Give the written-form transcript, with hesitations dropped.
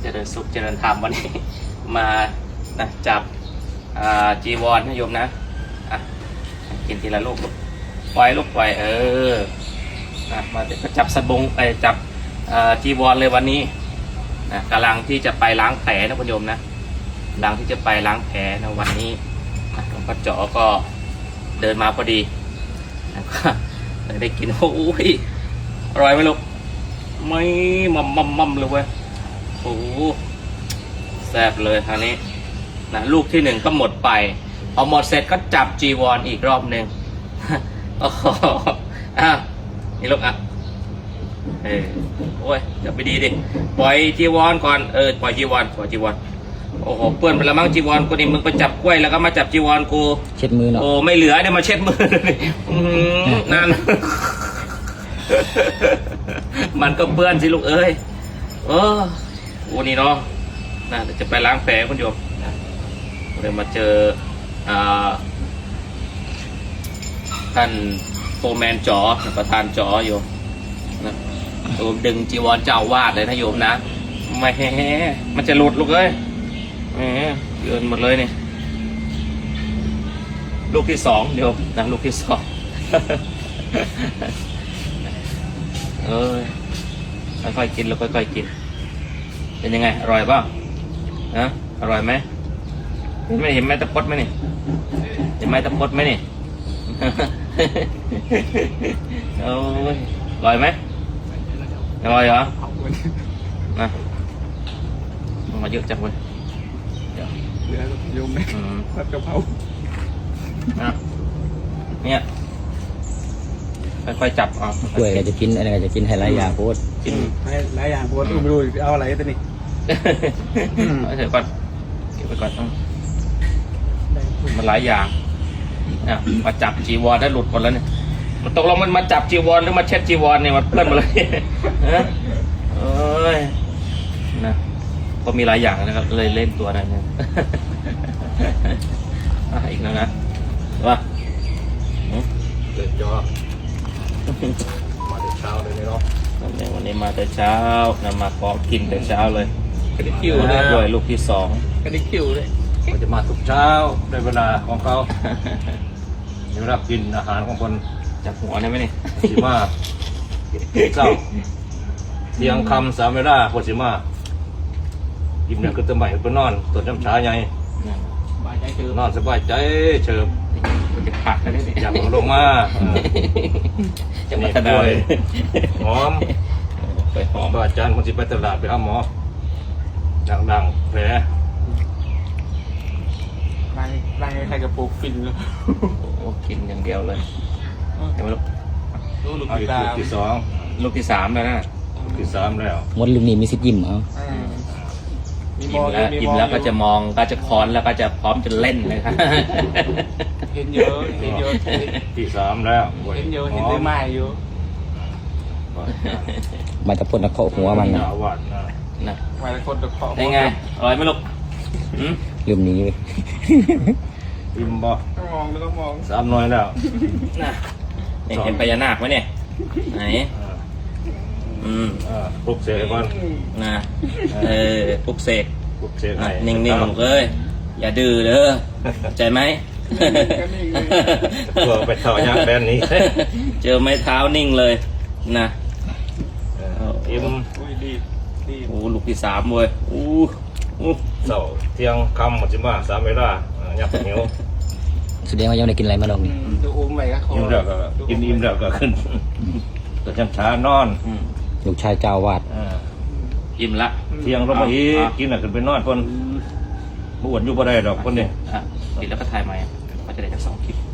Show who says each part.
Speaker 1: เจริญสุขเจริญธรรมวันนี้ มานะจับจีวรนะโยมนะกินทีละลูกปล่อยลูกปล่อยมาเดี๋ยวก็จับสบงไปจับจีวรเลยวันนี้นะกำลังที่จะไปล้างแผลนะคุณโยมนะกำลังที่จะไปล้างแผลนะวันนี้หลวงพ่อจ๋อก็เดินมาพอดีแล้วก็ได้กินโอ้ยอร่อยไหมลูกไม่มั่มเลยเว้ยโอ้แซ่บเลยคราวนี้นะลูกที่หนึ่งก็หมดไปพอหมดเสร็จก็จับจีวรอีกรอบหนึ่งโอ้โหนี่ลูกโอ้ยอย่าไปดีดิปล่อยจีวรก่อนปล่อยจีวรโอ้โหเปื้อนไปแล้วมั้งจีวรกูนี่มึงไปจับกล้วยแล้วก็มาจับจีวรกู
Speaker 2: เช็ดมือเนาะ
Speaker 1: โอ้ไม่เหลือเนี่ยมาเช็ดมือเลยนั่น มันก็เปื้อนสิลูกเอ้ยโอ้นี่เนาะน่าจะไปล้างแผลคุณโยมเลยมาเจอท่านโฟร์แมนจ๋อประธานจ๋อโยมนะโยมดึงจีวรเจ้าวาดเลยนะโยมนะไม่มันจะหลุดลูกเอ้ยเยินหมดเลยนี่ลูกที่สองโยมนะลูกที่สองค่อยๆกินแล้วค่อยๆกินเป็นยังไงอร่อยป่ะอร่อยไหมไม่เห็นไม้ตะพดไหมนี่เห็นไม้ตะพดไหมนี่ โอ้ยอร่อยไหมอร่อยเหรอนะมาเยอะจังเลย
Speaker 3: เหลือโยมไหมผัดกะเพรา
Speaker 1: เนี่ยค่อยๆจับ
Speaker 2: กล้วยก็จะกินอะไรก็จะกินให้หลายอย่างโพด
Speaker 1: กิน
Speaker 3: ให้หลายอย่างโพดไม่รู้เอาอะไรตัวนี้
Speaker 1: เดี๋ยวก่อนเก็บไปก่อนมันหลายอย่างมาจับจีวรได้หลุดหมดแล้วเนี่ยมันตกลงมันมาจับจีวรหรือมาเช็ดจีวรเนี่ยมันเพื่อนมาเลยนะก็มีหลายอย่างนะครับเลยเล่นตัวอะไรเนี่ยอีกแล้วนะว่า
Speaker 3: เกิดจอมาแต่เช้าเลยเนาะ
Speaker 1: วันนี้มาแต่เช้านะมาขอกินแต่เช้าเลย
Speaker 3: กระดิกคิวเลย
Speaker 1: ด้วยลูกที่สอง
Speaker 3: กระดิกคิวเลยเขาจะมาทุกเช้าในเวลาของเขาเวลากินอาหารของคน
Speaker 1: จับหัวได้ไหมนี่
Speaker 3: สิมาเจ้าเที่ยงคำ3 เวลาพอสิมากินเนี่ยก็จะใหม่ก็นอนตัวน้ำชาใหญ่นอนสบายใจเฉิบ
Speaker 1: จะผักกันได้ดิ
Speaker 3: อยากลงมา
Speaker 1: จะมาทำอะไร
Speaker 3: หอม
Speaker 1: ไปหอม
Speaker 3: อาจารย์คนที่ไปตลาดไปหาหมอดังๆแผลไล่ใครกระปุกฟินเลย
Speaker 1: โอ้กินอย่างเดียวเลยเห็นไหม
Speaker 3: ลูกที่สอง
Speaker 1: ลูกที่สามแล้วนะ
Speaker 3: ลูกที่สามแล้ว
Speaker 2: มดลูกนี้มีสิทธิ์ยิ้ม
Speaker 1: ยิ้มแล้วก็จะมองก็จะค้อนแล้วก็จะพร้อมจะเล่นเลยครับ
Speaker 3: เห็นเยอะที่สามแล้ว
Speaker 4: เห็นได้ไม้อยู่
Speaker 2: มาจะพ่นตะเคาะหัวมัน
Speaker 3: นะ
Speaker 4: ไม้ตะคนตะเคาะ
Speaker 1: ได้ไงอร่อยไหมลูก
Speaker 2: ลืมนี้
Speaker 3: ยิ้มบ่
Speaker 4: มองแล้วก็มอง
Speaker 3: 3 หน่วยแล้ว
Speaker 1: เห็นพญานาคไหมเนี่ยไหน
Speaker 3: ปลุกเสกก่อน
Speaker 1: นะปลุกเสก
Speaker 3: ให้
Speaker 1: นิ่งๆลูกเอ้ยอย่าดื้อเด้อใจไหม
Speaker 3: ตัวไปเท้ายักษ์แบนนี้
Speaker 1: เจอไม้เท้านิ่งเลยนะ
Speaker 3: อิ่ม
Speaker 1: โอ้ลูกที่สามเว้ย
Speaker 3: เสาเที่ยงคำหมดจิมา3 เวลาอยากเหนียว
Speaker 2: แสดงว่ายังได้กินอะไรมาลองนี่
Speaker 4: ดูอุ้มไปก็
Speaker 3: อิ่มแล้วก็กินอิ่มแล้วก็ขึ้นตัวช้านอน
Speaker 2: ลูกชายเจ้าวาด
Speaker 1: อิ่มละ
Speaker 3: เที่ยงเรามาอีกกินแล้วขึ้นไปนอนคนบ่อ้วนอยู่บ่ได้ดอกคนนี้
Speaker 1: กินแล้วก็ถ่ายใหม่ก็จะได้จาก2 คลิป